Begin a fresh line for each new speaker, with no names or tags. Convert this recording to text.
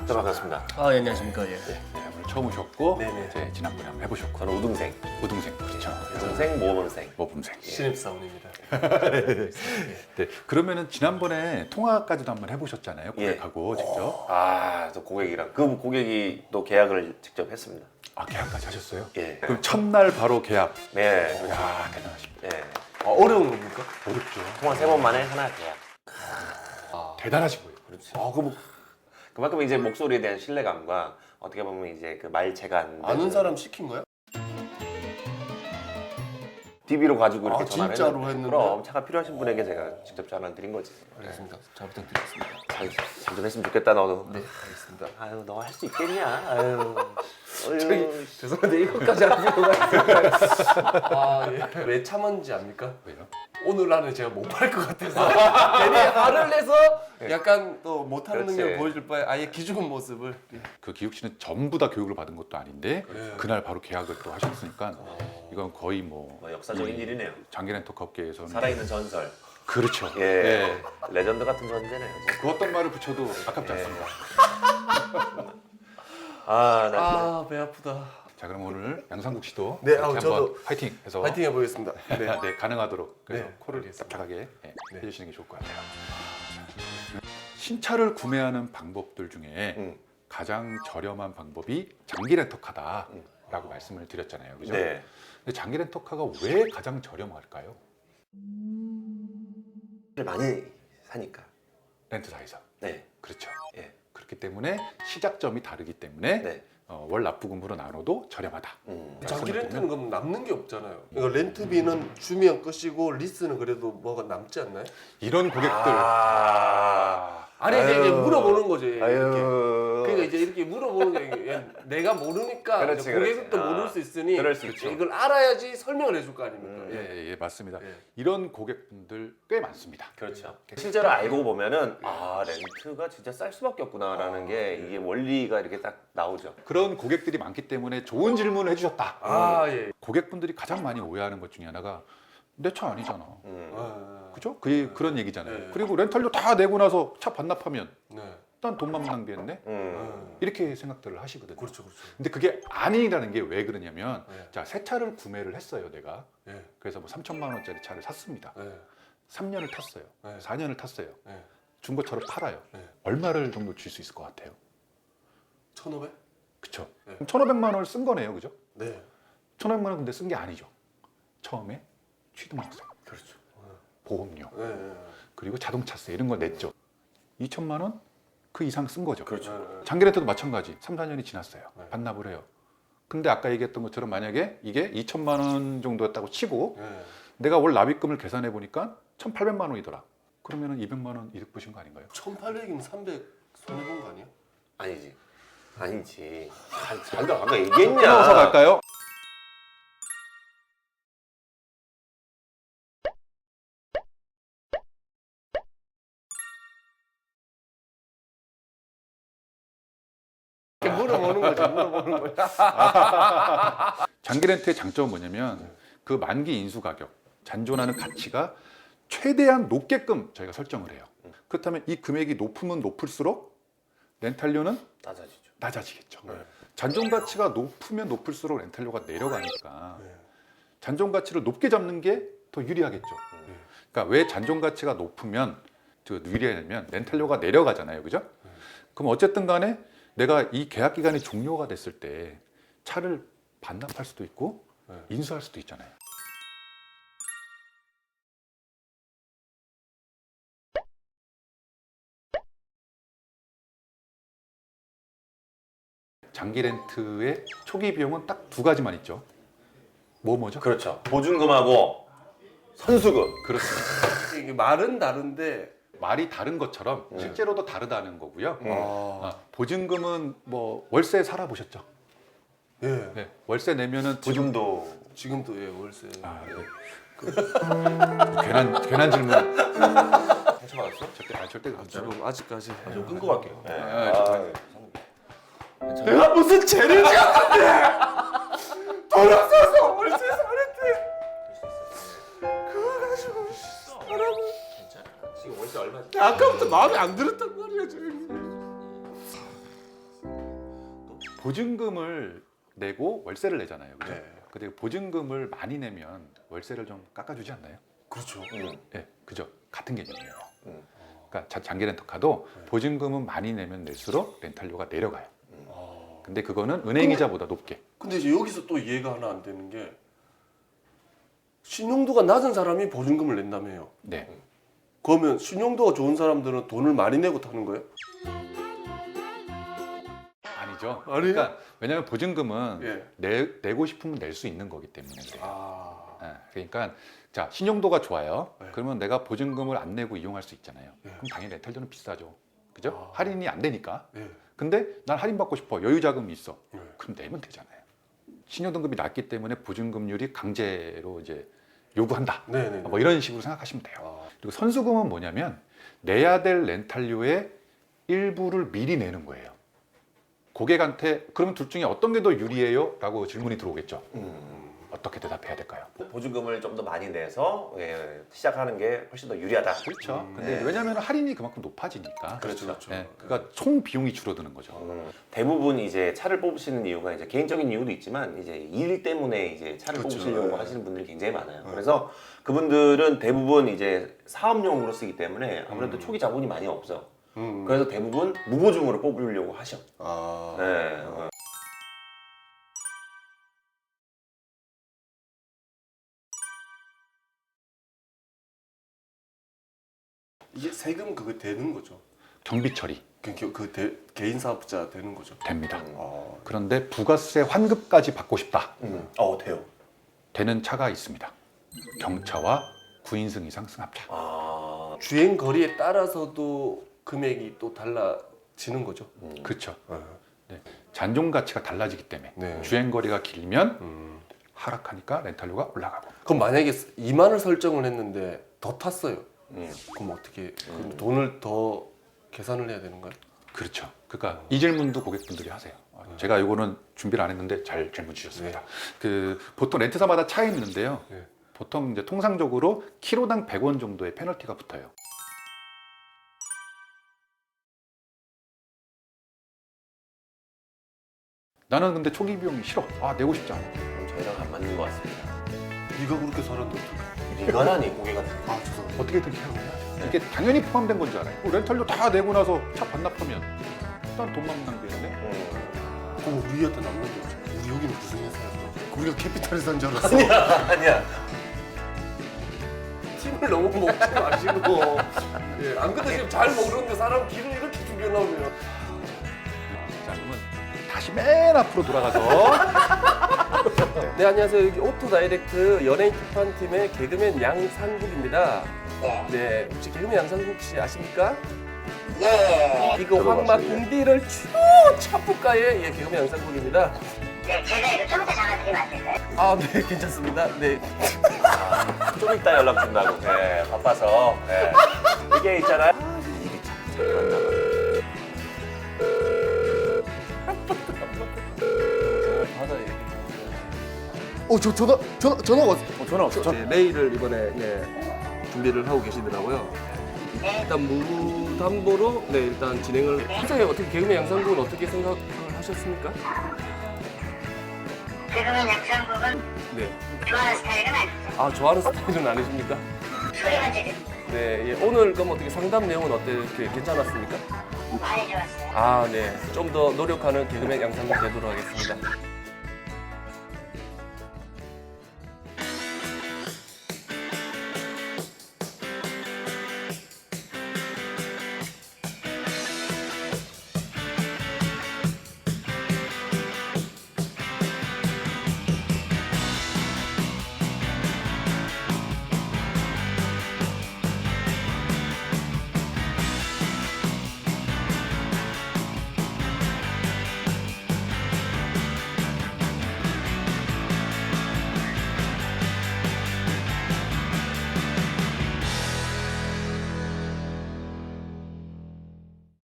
네, 반갑습니다.
아, 예, 안녕하십니까. 예.
네, 오늘 처음 오셨고
네네.
이제 지난번에 한번 해보셨고
저는 우등생,
우등생 그렇죠.
우등생 모범생.
모범생.
신입사원입니다.
네, 그러면은 지난번에 통화까지도 한번 해보셨잖아요.
예.
고객하고 직접.
아, 또 고객이랑 그 고객이 또 계약을 직접 했습니다.
아 계약까지 하셨어요?
예.
그럼 첫날 바로 계약.
네.
야 대단하십니다.
예.
어려운 겁니까?
어렵죠.
통화 3번 만에 하나 계약.
대단하신 거예요.
그렇죠. 그만큼 이제 목소리에 대한 신뢰감과 어떻게 보면 이제 그 말재간
아는 사람 시킨 거야?
DB로 가지고 이렇게
아,
전화를
진짜로
했는데.
했는데?
그럼 차가 필요하신 분에게 제가 직접 전화를 드린 거지.
알겠습니다. 잘 부탁드리겠습니다.
잘 좀 했으면 좋겠다 너도.
네, 알겠습니다.
아유 너 할 수 있겠냐? 아유.
저기 죄송한데 이것까지 안 필요가 있을까요? 아, 예. 왜 참았는지 압니까?
왜요?
오늘 안에 제가 못 팔 것 같아서 괜히 화를 내서 약간 또 못하는
그렇지.
능력을 보여줄 바에 아예 기죽은 모습을.
그 기욱 씨는 전부 다 교육을 받은 것도 아닌데
네.
그날 바로 계약을 또 하셨으니까 이건 거의 뭐
뭐 역사적인 일이네요.
장기렌터 업계에서는
살아있는 전설.
그렇죠.
예. 레전드 같은 존재네요.
그 어떤 말을 붙여도 아깝지
예.
않습니다.
아, 나
아, 배 아프다.
자 그럼 오늘 양상국 씨도
네,
같이
저도
한번 화이팅해서
파이팅 해보겠습니다. 네.
네, 가능하도록 그래서
네,
코를
알겠습니다.
착하게
네.
해주시는 게 좋을 것 같아요. 신차를 구매하는 방법들 중에
음.
가장 저렴한 방법이 장기 렌터카다라고 말씀을 드렸잖아요, 그죠?
네.
근데 장기 렌터카가 왜 가장 저렴할까요?
많이 사니까.
렌트사에서.
네.
그렇죠.
예.
그렇기 때문에 시작점이 다르기 때문에
네.
월 납부금으로 나눠도 저렴하다.
장기
말씀을
렌트는 그럼 남는 게 없잖아요. 그러니까 렌트비는 주면 끝이고 리스는 그래도 뭐가 남지 않나요?
이런 고객들
아니 이제
아유.
물어보는 거지. 이렇게.
아유.
그러니까 이제 이렇게 물어보는 게 내가 모르니까
그렇지,
이제 고객도
그렇지.
모를 수 있으니
그럴 수 있죠.
이걸 알아야지 설명을 해줄 거 아닙니까?
예, 예, 맞습니다.
예.
이런 고객분들 꽤 많습니다.
그렇죠. 실제로 알고 보면은 아 렌트가 진짜 쌀 수밖에 없구나라는 게 이게 원리가 이렇게 딱 나오죠.
그런 고객들이 많기 때문에 좋은 질문을 해주셨다.
아 예.
고객분들이 가장 많이 오해하는 것 중에 하나가 내 차 아니잖아.
아,
그죠? 그런 얘기잖아요.
네.
그리고 렌탈료 다 내고 나서 차 반납하면
네.
난 돈만 낭비했네? 이렇게 생각들을 하시거든요.
그렇죠, 그렇죠.
근데 그게 아니라는 게 왜 그러냐면
네.
자, 새 차를 구매를 했어요, 내가.
예.
그래서 뭐 3천만 원짜리 차를 샀습니다.
예.
3년을 탔어요.
네.
4년을 탔어요.
예.
중고차로 팔아요.
네.
얼마를 정도 줄 수 있을 것 같아요?
1,500?
그쵸?
네.
그럼 1,500만 원을 쓴 거네요, 그죠?
네.
1,500만 원 근데 쓴 게 아니죠. 처음에 취등록세,
그렇죠.
보험료,
예. 예.
그리고 자동차세 이런 거 냈죠. 2천만 원? 그 이상 쓴 거죠.
그렇죠.
예.
장기 렌트도 마찬가지. 3, 4년이 지났어요.
네.
반납을 해요. 근데 아까 얘기했던 것처럼 만약에 이게 2천만 원 정도였다고 치고
예.
내가 월 납입금을 계산해 보니까 1,800만 원이더라. 그러면은 200만 원 이득 보신 거 아닌가요?
1,800이면 300 손해 본 거 아니야?
아니지. 아니지. 자기가 아까 얘기했냐?
끊어서 갈까요?
이렇게 물어보는 거지, 물어보는 거지.
장기 렌트의 장점은 뭐냐면 그 만기 인수 가격, 잔존하는 가치가 최대한 높게끔 저희가 설정을 해요. 그렇다면 이 금액이 높으면 높을수록 렌탈료는
낮아지죠.
낮아지겠죠.
네.
잔존 가치가 높으면 높을수록 렌탈료가 내려가니까
네.
잔존 가치를 높게 잡는 게 더 유리하겠죠. 그러니까 왜 잔존 가치가 높으면 유리하냐면 렌탈료가 내려가잖아요, 그죠? 그럼 어쨌든 간에 내가 이 계약 기간이 종료가 됐을 때 차를 반납할 수도 있고
네.
인수할 수도 있잖아요. 장기 렌트의 초기 비용은 딱 두 가지만 있죠. 뭐죠?
그렇죠. 보증금하고 선수금.
그렇습니다.
이게 말은 다른데
말이 다른 것처럼 실제로도 다르다는 거고요.
아,
보증금은 뭐 월세 살아보셨죠?
예.
네, 월세 내면은
보증도.
지금도 예, 월세.
아, 네. 괜한 질문.
상처받았어?
절대 그렇죠.
지금 아직까지.
좀 끊고 갈게요. 네.
내가 무슨 죄를 지었는데 돌아서서 월세 사는데 그거 가지고 사람은
괜찮아. 지금 월세 얼마지?
아까부터 마음에 안 들었단 말이야 지금.
보증금을 내고 월세를 내잖아요. 그죠?
네.
근데 보증금을 많이 내면 월세를 좀 깎아주지 않나요?
그렇죠.
네, 그죠? 같은 개념이에요.
음.
그러니까 장기 렌터카도
네.
보증금은 많이 내면 낼수록 렌탈료가 내려가요.
아.
근데 그거는 은행이자보다 높게.
근데 이제 여기서 또 이해가 하나 안 되는 게 신용도가 낮은 사람이 보증금을 낸다며요.
네.
그러면 신용도가 좋은 사람들은 돈을 많이 내고 타는 거예요?
아니죠.
아니에요?
그러니까 왜냐하면 보증금은
예.
내고 싶으면 낼 수 있는 거기 때문에 그래요.
아.
예, 그러니까 자 신용도가 좋아요.
네.
그러면 내가 보증금을 안 내고 이용할 수 있잖아요.
네.
그럼 당연히 렌탈료는 비싸죠. 그죠?
아.
할인이 안 되니까.
예.
근데 난 할인 받고 싶어. 여유 자금이 있어.
네.
그럼 내면 되잖아요. 신용등급이 낮기 때문에 보증금률이 강제로 이제 요구한다.
네네.
뭐 이런 식으로 생각하시면 돼요.
아.
그리고 선수금은 뭐냐면 내야 될 렌탈료의 일부를 미리 내는 거예요. 고객한테 그러면 둘 중에 어떤 게 더 유리해요? 라고 질문이 들어오겠죠. 어떻게 대답해야 될까요?
보증금을 좀 더 많이 내서 시작하는 게 훨씬 더 유리하다.
그렇죠. 근데
네.
이제 왜냐하면 할인이 그만큼 높아지니까.
그렇죠. 그렇죠.
네, 그러니까 총 비용이 줄어드는 거죠.
대부분 이제 차를 뽑으시는 이유가 이제 개인적인 이유도 있지만 이제 일 때문에 이제 차를
그렇죠.
뽑으시려고
네.
하시는 분들이 굉장히 많아요. 그래서 그분들은 대부분 이제 사업용으로 쓰기 때문에 아무래도 초기 자본이 많이 없어. 그래서 대부분 무보증으로 뽑으려고 하셔.
아.
네.
이게 세금 그거 되는 거죠.
경비 처리
개인 사업자 되는 거죠.
됩니다.
아.
그런데 부가세 환급까지 받고 싶다.
돼요.
되는 차가 있습니다. 경차와 9인승 이상 승합차.
아,
주행 거리에 따라서도 금액이 또 달라지는 거죠.
그렇죠.
네.
잔존 가치가 달라지기 때문에
네.
주행 거리가 길면 하락하니까 렌탈료가 올라가고.
그럼 만약에 2만을 설정을 했는데 더 탔어요.
음.
그럼 어떻게 그럼 돈을 더 계산을 해야 되는 거예요?
그렇죠. 그러니까 이 질문도 고객분들이 하세요. 제가 이거는 준비를 안 했는데 잘 질문 주셨습니다. 그 보통 렌트사마다 차이 있는데요.
네.
보통 이제 통상적으로 키로당 100원 정도의 페널티가 붙어요. 나는 근데 초기 비용이 싫어. 내고 싶지 않아.
그럼 저희랑 안 맞는 것 같습니다.
네가 그렇게 살았는데 어떡해?
이거라니 고객한테.
아 죄송합니다.
어떻게든 케어해야죠. 이게 당연히 포함된 건 줄 알아요. 렌탈료 다 내고 나서 차 반납하면 일단 돈만 낭비했네.
그럼 우리한테 남는 게 없죠. 우리 여기는 무슨 회사였어? 우리가 캐피탈에서 산 줄 알았어.
아니야.
팀을 너무 먹지 마시고. 예, 안 그래도 지금 잘 먹는데 사람 길을 이렇게 죽여놓으면.
자, 그러면 다시 맨 앞으로 돌아가서
네 안녕하세요. 여기 오토 다이렉트 연예인 특판팀의 개그맨 양상국입니다. 네 혹시 개그맨 양상국 씨 아십니까?
네,
이거 황마
들어봤어요.
군디를 쭉 차프가의 개그맨 양상국입니다.
네, 제가 이거 좀 이따 전화 드리면 안 될까요?
아 네 괜찮습니다. 네.
좀 이따 연락 준다고. 네, 바빠서. 네. 이게 있잖아요. 일이 잘 맞나 봐.
저 전화가 왔어요.
전화 왔어.
네, 메일을 이번에 준비를 하고 계시더라고요. 일단 무담보로 일단 진행을. 평소에 어떻게 개그맨 양상국은 어떻게 생각을 하셨습니까?
지금은 약상국은
네.
좋아하는 스타일은 아니죠.
아 좋아하는 스타일은 아니십니까?
소리만 지르
네. 예, 오늘 그럼 어떻게 상담 내용은 어떻게 괜찮았습니까?
많이 좋았어요.
아 네. 좀 더 노력하는 개그맨 양상국 되도록 하겠습니다.